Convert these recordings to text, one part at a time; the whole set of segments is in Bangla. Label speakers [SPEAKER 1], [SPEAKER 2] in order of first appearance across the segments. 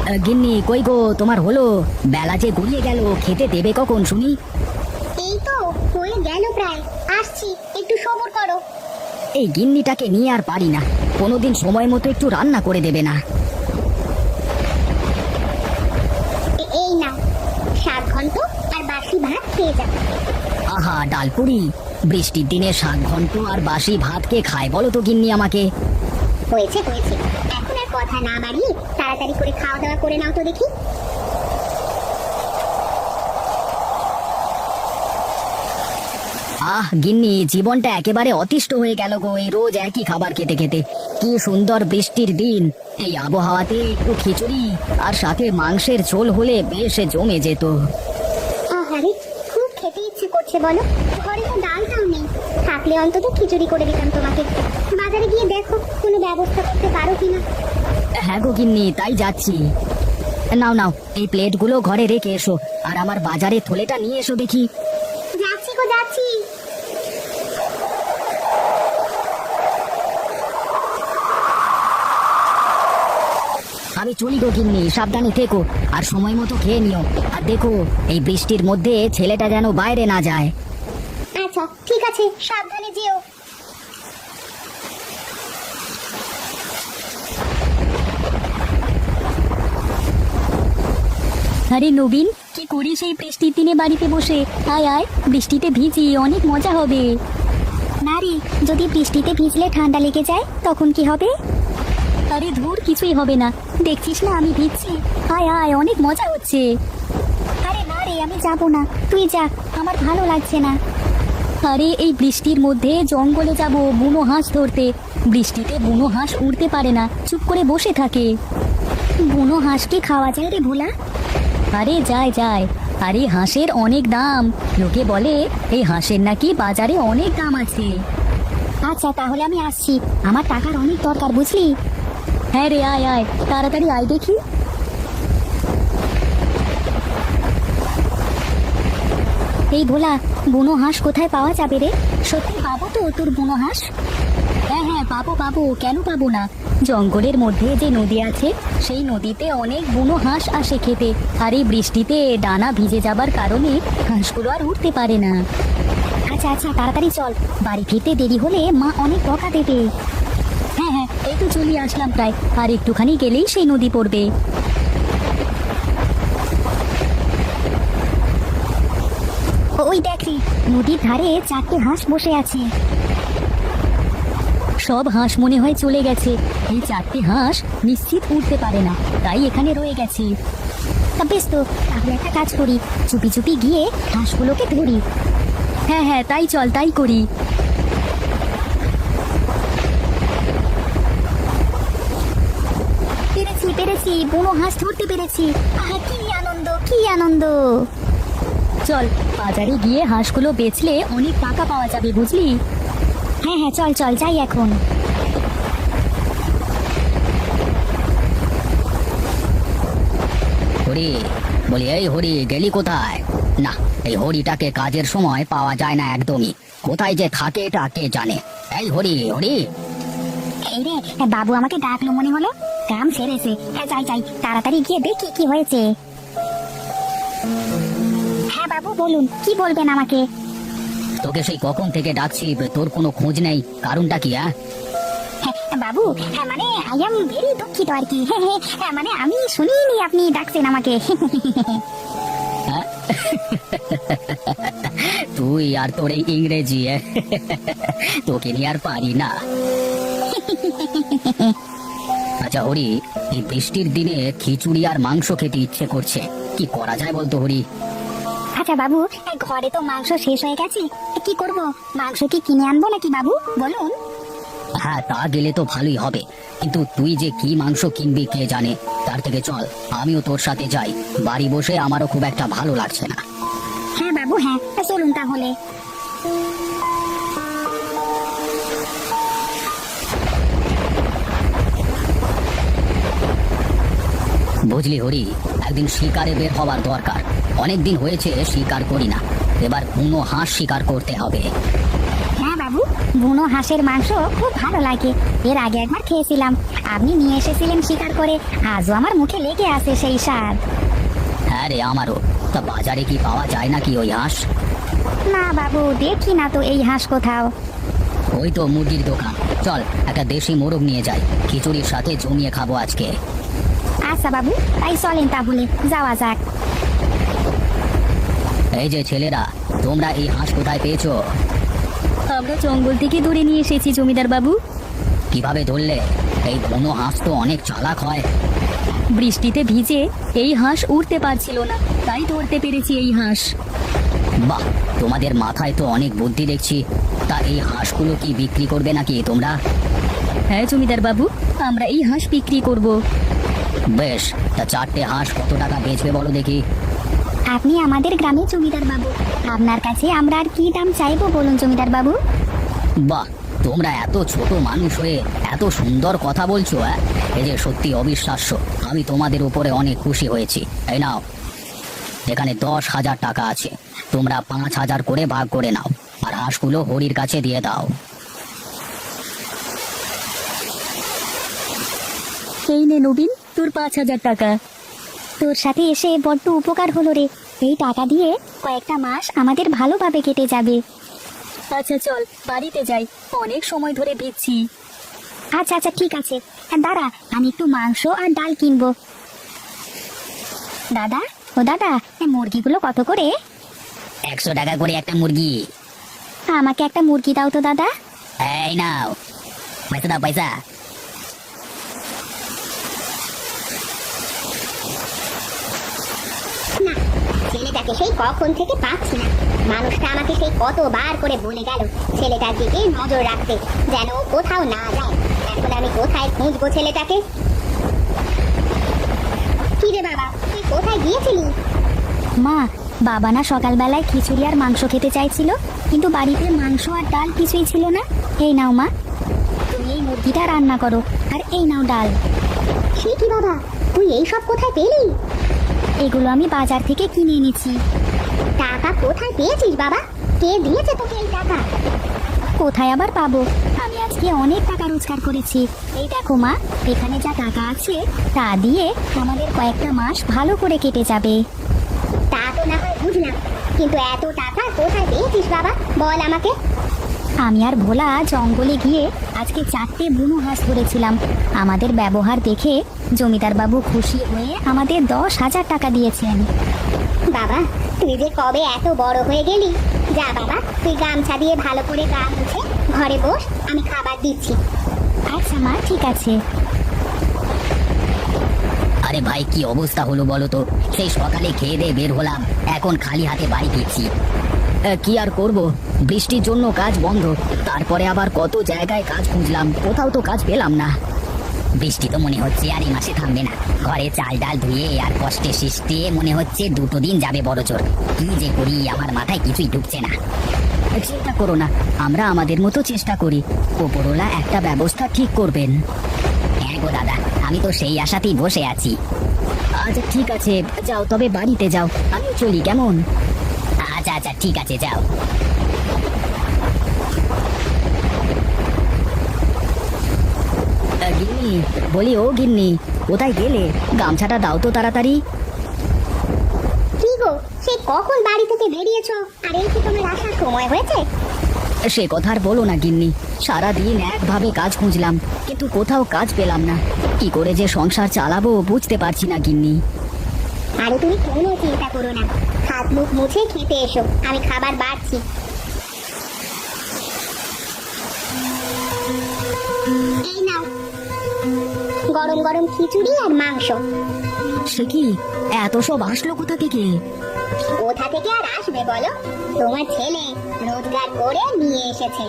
[SPEAKER 1] গিন্নি কই গো, তোমার হলো? বেলা যে গড়িয়ে গেল, খেতে দেবে কখন শুনি?
[SPEAKER 2] এই তো হয়ে গেল প্রায়, আসছি, একটু সবর করো।
[SPEAKER 1] এই গিন্নিটাকে নিয়ে আর পারি না, কোনোদিন সময় মতো একটু রান্না করে দেবে না।
[SPEAKER 2] এই নাও, 7 ঘন্টা আর বাসি ভাত খেয়ে যাও।
[SPEAKER 1] আহা ডালপুরি, বৃষ্টির দিনে 7 ঘন্টা আর বাসি ভাত কে খায় বলো তো গিন্নি আমাকে?
[SPEAKER 2] হয়েছে হয়েছে, এখন আর কথা না বাড়িয়ে তাড়াতাড়ি করে খাওয়া দাওয়া করে নাও তো দেখি।
[SPEAKER 1] আহ গিন্নি, জীবনটা একেবারে অতিষ্ঠ হয়ে গেল গো, এই রোজ একই খাবার খেতে খেতে। কি সুন্দর বৃষ্টির দিন, এই আবহাওয়াতে একটু খিচুড়ি আর সাথে মাংসের ঝোল হলে বেশ জমে যেত।
[SPEAKER 2] আহারে, খুব খেতে ইচ্ছে করছে বলো, ঘরে তো ডালটাও নেই, থাকলে অন্তত খিচুড়ি করে দিতাম তোমাকে। বাজারে গিয়ে দেখো কোনো ব্যবস্থা করতে পারো কিনা।
[SPEAKER 1] হ্যাঁ গো গিন্নি, তাই যাচ্ছি। নাও নাও, এই প্লেটগুলো ঘরে রেখে এসো, আর আমার বাজারে থলেটা নিয়ে এসো দেখি।
[SPEAKER 2] যাচ্ছি গো যাচ্ছি।
[SPEAKER 1] আমি চলি গো গিন্নি, সাবধানে থেকো, আর সময় মতো খেয়ে নিও। আর দেখো, এই বৃষ্টির মধ্যে ছেলেটা যেন বাইরে না যায়।
[SPEAKER 2] আচ্ছা ঠিক আছে, সাবধানে যেও।
[SPEAKER 3] আরে নবীন, কি করিস এই বৃষ্টির দিনে বাড়িতে বসে? আয় আয়, বৃষ্টিতে ভিজি, অনেক মজা হবে।
[SPEAKER 2] না রে, যদি বৃষ্টিতে ভিজলে ঠান্ডা লেগে যায় তখন কি হবে?
[SPEAKER 3] আরে ধুর, কিছুই হবে না, দেখছিস না আমি ভিজছি। আয় আয়, অনেক মজা হচ্ছে।
[SPEAKER 2] আরে না রে, আমি যাব না, তুই যা, আমার ভালো লাগছে না।
[SPEAKER 3] আরে এই বৃষ্টির মধ্যে জঙ্গলে যাব বুনো হাঁস ধরতে। বৃষ্টিতে বুনো হাঁস উড়তে পারে না, চুপ করে বসে থাকে।
[SPEAKER 2] বুনো হাঁস কি খাওয়া যায় রে ভোলা?
[SPEAKER 3] আরে যায় যায়, আরে হাঁসের অনেক দাম, লোকে বলে এই হাঁসের নাকি বাজারে অনেক দাম আছে।
[SPEAKER 2] আচ্ছা তাহলে আমি আসছি, আমার টাকার অনেক দরকার বুঝলি।
[SPEAKER 3] হ্যাঁ রে, আয় আয়, তাড়াতাড়ি আয় দেখি।
[SPEAKER 2] এই ভোলা, বুনো হাঁস কোথায় পাওয়া যাবে রে? সত্যি পাবো তো তোর বুনো হাঁস?
[SPEAKER 3] হ্যাঁ হ্যাঁ, পাবো পাবো, কেন পাবো না। জঙ্গলের মধ্যে যে নদী আছে, সেই নদীতে অনেক বুনো হাঁস আসে খেতে। আর এই বৃষ্টিতে ডানা ভিজে যাবার কারণে হাঁসগুলো আর উঠতে পারে না।
[SPEAKER 2] আচ্ছা আচ্ছা, তাড়াতাড়ি চল, বাড়ি ফিরতে দেরি হলে মা অনেক বকা দেবে।
[SPEAKER 3] হ্যাঁ হ্যাঁ, এই তো চলে আসলাম প্রায়, আর একটুখানি গেলেই সেই নদী পড়বে।
[SPEAKER 2] ওই দেখ রে, নদীর ধারে 4টে হাঁস বসে আছে।
[SPEAKER 3] সব হাঁস মনে হয় চলে গেছে। এই 4টে হাঁস নিশ্চিত উঠতে পারে না, তাই এখানে রয়ে গেছে।
[SPEAKER 2] তা বেশ তো, তাহলে একটা কাজ করি, চুপি চুপি গিয়ে হাঁসগুলোকে ধরি।
[SPEAKER 3] হ্যাঁ হ্যাঁ, তাই চল, তাই করি।
[SPEAKER 2] পেরেছি পেরেছি, বুনো হাঁস ধরতে পেরেছি। আহা, কি আনন্দ কি আনন্দ।
[SPEAKER 3] চল, বাজারে গিয়ে হাঁসগুলো বেচলে অনেক টাকা পাওয়া যাবে বুঝলি।
[SPEAKER 2] হ্যাঁ হ্যাঁ, চল চল, যাই এখন।
[SPEAKER 1] হরি, বলি এই হরি, গেলি কোথায়? না, এই হরিটাকে কাজের সময় পাওয়া যায় না একদমই, কোথায় যে থাকে এটা কে জানে। এই হরি হরি।
[SPEAKER 2] এই রে, বাবু আমাকে ডাকলো মনে হলো, কাম সেরেছে। যাই যাই, তাড়াতাড়ি গিয়ে দেখি কি হয়েছে। হ্যাঁ বাবু বলুন, কি বলবেন আমাকে?
[SPEAKER 1] তোকে সেই কখন থেকে ডাকছি, তোর কোনো খোঁজ নেই, কারণটা কি?
[SPEAKER 2] বাবু, মানে আই এম ভেরি দুঃখিত আর কি। মানে আমি শুনিনি আপনি ডাকছেন আমাকে।
[SPEAKER 1] তুই আর তোর এই ইংরেজি, তোকে নিয়ে আর পারি না। আচ্ছা হরি, এই বৃষ্টির দিনে খিচুড়ি আর মাংস খেতে ইচ্ছে করছে, কি করা যায় বলতো হরি?
[SPEAKER 2] আচ্ছা বাবু, ঘরে তো মাংস শেষ হয়ে গেছে, কি করব? মাংস কি কিনে আনবো নাকি বাবু বলুন?
[SPEAKER 1] হ্যাঁ, তা গেলে তো ভালোই হবে, কিন্তু তুই যে কি মাংস কিনবি কে জানে। তার থেকে চল, আমিও তোর সাথে যাই, বাড়ি বসে আমারও খুব একটা ভালো লাগছে না।
[SPEAKER 2] হ্যাঁ বাবু, হ্যাঁ চলুন তাহলে।
[SPEAKER 1] বুঝলি হরি, একদিন শিকারে বের হওয়ার দরকার, অনেক দিন হয়েছে শিকার করি না, এবার কোনো হাঁস শিকার করতে হবে।
[SPEAKER 2] হ্যাঁ বাবু, বুনো হাঁসের মাংস খুব ভালো লাগে। এর আগে একবার খেয়েছিলাম, আপনি নিয়ে এসেছিলেন শিকার করে, আজও আমার মুখে লেগে আছে সেই স্বাদ।
[SPEAKER 1] হ্যাঁ রে, আমারও। তা বাজারে কি পাওয়া যায় নাকি ওই হাঁস?
[SPEAKER 2] না বাবু, দেখি না তো এই হাঁস কোথাও।
[SPEAKER 1] ওই তো মুরগির দোকান, চল একটা দেশি মোরগ নিয়ে যাই, খিচুড়ির সাথে জমিয়ে খাবো আজকে।
[SPEAKER 2] আচ্ছা বাবু, তাই চলেন তাহলে যাওয়া যাক।
[SPEAKER 1] এই যে ছেলেরা, তোমরা এই হাঁস কোথায় পেয়েছো?
[SPEAKER 3] আমরা জঙ্গল থেকে ধরে নিয়ে এসেছি জমিদার বাবু।
[SPEAKER 1] কিভাবে ধরলে? এই বুনো হাঁস তো অনেক চালাক হয়।
[SPEAKER 3] বৃষ্টিতে ভিজে এই হাঁস উড়তে পারছিল না, তাই ধরতে পেরেছি এই হাঁস।
[SPEAKER 1] বাহ, তোমাদের মাথায় তো অনেক বুদ্ধি দেখছি। তা এই হাঁসগুলো কি বিক্রি করবে নাকি তোমরা?
[SPEAKER 3] হ্যাঁ জমিদার বাবু, আমরা এই হাঁস বিক্রি করব।
[SPEAKER 1] বেশ, তা 4টে হাঁস কত টাকা বেচবে বলো দেখি।
[SPEAKER 2] আপনি আমাদের গ্রামে জমিদার বাবু, আপনার কাছে আমরা আর কি দাম চাইবো বলুন জমিদার বাবু।
[SPEAKER 1] বাহ, তোমরা এত ছোট মানুষ হয়ে এত সুন্দর কথা বলছো। এই যে সত্যি অবিশ্বাস্য, আমি তোমাদের উপরে অনেক খুশি হয়েছি। এই নাও, এখানে 10,000 টাকা আছে, তোমরা 5,000 করে ভাগ করে নাও, আর হাঁসগুলো হরির কাছে দিয়ে দাও।
[SPEAKER 3] এই নে নবীন, তোর 5,000 টাকা।
[SPEAKER 2] তোর সাথে এসে বড্ড উপকার হলো রে, এই টাকা দিয়ে কয়েকটা মাস আমাদের ভালোভাবে কেটে যাবে।
[SPEAKER 3] আচ্ছা চল বাড়িতে যাই, অনেক সময় ধরে ভিজছি।
[SPEAKER 2] আচ্ছা আচ্ছা ঠিক আছে, দাঁড়া আমি একটু মাংস আর ডাল কিনবো। দাদা, ও দাদা, এই মুরগিগুলো কত করে?
[SPEAKER 1] 100 টাকা করে একটা মুরগি।
[SPEAKER 2] আমাকে একটা মুরগি দাও তো দাদা।
[SPEAKER 1] এই নাও, পয়সা দাও, পয়সা।
[SPEAKER 2] না, ছেলেটাকে সেই কখন থেকে পাচ্ছি না। মানুষটা আমাকে সেই কতবার করে বলে গেল ছেলেটার দিকে নজর রাখতে, যেন ও কোথাও না যায়। এখন আমি কোথায় খুঁজবো ছেলেটাকে? কি রে বাবা, তুই কোথায় গিয়েছিলি? মা, বাবা না সকালবেলায় খিচুড়ি আর মাংস খেতে চাইছিল, কিন্তু বাড়িতে মাংস আর ডাল কিছুই ছিল না। এই নাও মা, তুমি এই মুরগিটা রান্না করো, আর এই নাও ডাল। সে কি বাবা, তুই এই সব কোথায় পেলি? এগুলো আমি বাজার থেকে কিনে এনেছি। টাকা কোথায় পেয়েছিস বাবা? কে দিয়েছে তোকে এই টাকা? কোথায় আবার পাবো, আমি আজকে অনেক টাকা রোজগার করেছি। এই দেখো মা, এখানে যা টাকা আছে তা দিয়ে আমাদের কয়েকটা মাস ভালো করে কেটে যাবে। তা তো না হয় বুঝলাম, কিন্তু এত টাকা কোথায় পেয়েছিস বাবা, বল আমাকে। আমি আর ভোলা জঙ্গলে গিয়ে আজকে 4টে বুনো হাঁস ধরেছিলাম। আমাদের ব্যবহার দেখে জমিদার বাবু খুশি হয়ে আমাদের 10,000 টাকা দিয়েছেন। বাবা, তুই যে কবে এত বড় হয়ে গেলি। যা বাবা, তুই গামছা দিয়ে ভালো করে গা মুছে ঘরে বস, আমি খাবার দিচ্ছি। আচ্ছা মা, ঠিক আছে।
[SPEAKER 1] আরে ভাই, কি অবস্থা হলো বলো তো? সেই সকালে খেয়ে দিয়ে বের হলাম, এখন খালি হাতে বাড়ি ফিরছি। কি আর করব, বৃষ্টির জন্য কাজ বন্ধ। তারপরে আবার কত জায়গায় কাজ খুঁজলাম, কোথাও তো কাজ পেলাম না। বৃষ্টি তো মনে হচ্ছে আর এই মাসে থামবে না। ঘরে চাল ডাল ধুয়ে আর কষ্টে সৃষ্টে মনে হচ্ছে 2 দিন যাবে বড় জোর। কি যে করি, আমার মাথায় কিছুই ঢুকছে না। চিন্তা করো না, আমরা আমাদের মতো চেষ্টা করি, ওপরওয়ালা একটা ব্যবস্থা ঠিক করবেন। হ্যাঁ গো দাদা, আমি তো সেই আশাতেই বসে আছি। আচ্ছা ঠিক আছে, যাও তবে বাড়িতে যাও, আমিও চলি কেমন? আচ্ছা আচ্ছা ঠিক আছে, যাও। গিন্নি, বলি ও গিন্নি, কোথায় গেলে? গামছাটা দাও তো তাড়াতাড়ি।
[SPEAKER 2] কি গো, সে কখন বাড়ি থেকে বেরিয়েছো, আর এই কি তোমার আসার সময় হয়েছে?
[SPEAKER 1] সে কথা আর বলো না গিন্নি, সারাদিন একভাবে কাজ খুঁজলাম, কিন্তু কোথাও কাজ পেলাম না। কি করে যে সংসার চালাবো বুঝতে পারছি না গিন্নি।
[SPEAKER 2] আরে তুমি কোনো চিন্তা করো না, হাত মুখ মুছে খেতে এসো, আমি খাবার বাড়ছি। এই নাও, গরম গরম খিচুড়ি আর মাংস।
[SPEAKER 1] সে কি, এত সব আসলো কোথা থেকে?
[SPEAKER 2] কোথা থেকে আর আসবে বলো, তোমার ছেলে রোজগার করে নিয়ে এসেছে।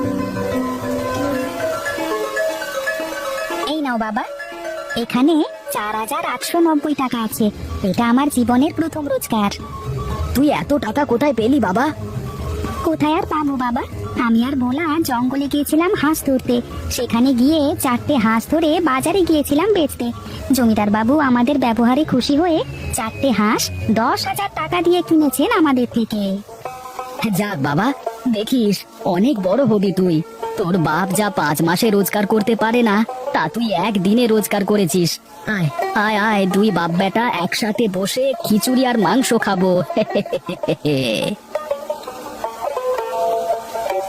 [SPEAKER 2] এই নাও বাবা, এখানে 4,890 টাকা আছে। এটা আমার জীবনের প্রথম রোজগার।
[SPEAKER 1] তুই এত টাকা কোথায় পেলি বাবা?
[SPEAKER 2] কোথায় আর পাবো বাবা, আমি আর ভোলা জঙ্গলে গিয়েছিলাম হাঁস ধরতে। সেখানে গিয়ে 4টে হাঁস ধরে বাজারে গিয়েছিলাম বেচতে। জমিদার বাবু আমাদের ব্যবহারে খুশি হয়ে 4টে হাঁস 10,000 টাকা দিয়ে কিনেছেন আমাদের থেকে।
[SPEAKER 1] যাক বাবা, দেখিস অনেক বড় হবি তুই। তোর বাপ যা 5 মাসে রোজগার করতে পারে না, তা তুই একদিনে রোজগার করেছিস। আয় আয় আয়, দুই বাপ বেটা একসাথে বসে খিচুড়ি আর মাংস খাবো।